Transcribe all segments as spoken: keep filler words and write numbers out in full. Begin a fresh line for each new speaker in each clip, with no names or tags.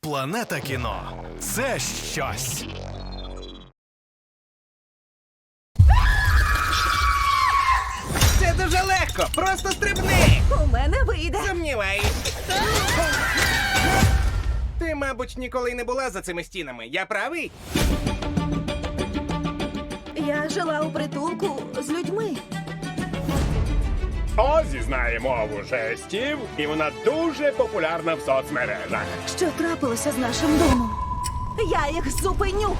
Планета кіно – це щось.
Це дуже легко, просто стрибни!
У мене вийде.
Сумніваюсь. Ти, мабуть, ніколи й не була за цими стінами. Я правий?
Я жила у притулку з людьми.
Озі знає мову жестів, і вона дуже популярна в соцмережах.
Що трапилося з нашим домом? Я їх зупиню.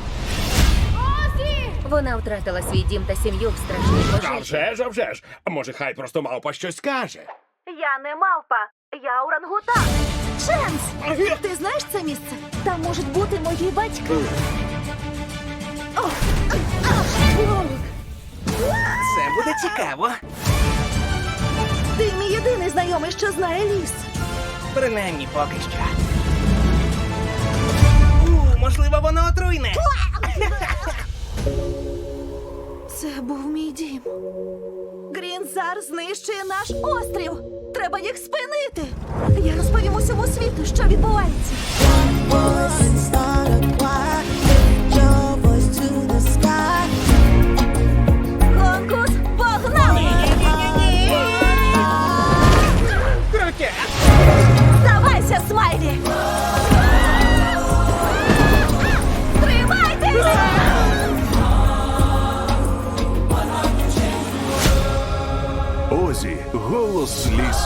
Вона втратила свій дім та сім'ю в страшній
А
пожежі.
вже ж, а вже ж. А може, хай просто мавпа щось скаже?
Я не мавпа, я орангутан. Ченс! Ти знаєш це місце? Там можуть бути мої батьки. О, а, а,
Це буде цікаво.
Ти мій єдиний знайомий, що знає ліс.
Принаймні поки що. У, можливо, воно отруйне.
Це був мій дім. Грінзар знищує наш острів. Треба їх спинити. Я розповім усьому світу, що відбувається.
Voice and start a choir. Lift your voice to the sky.
Конкурс погнали!
Крутя!
Здавайся, Смайлі! Тримайтеся!
Озі – голос лісу.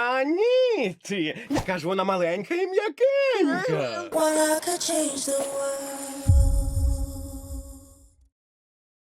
Очманіті! Яка ж вона маленька і м'якенька.
Well, I could change the world.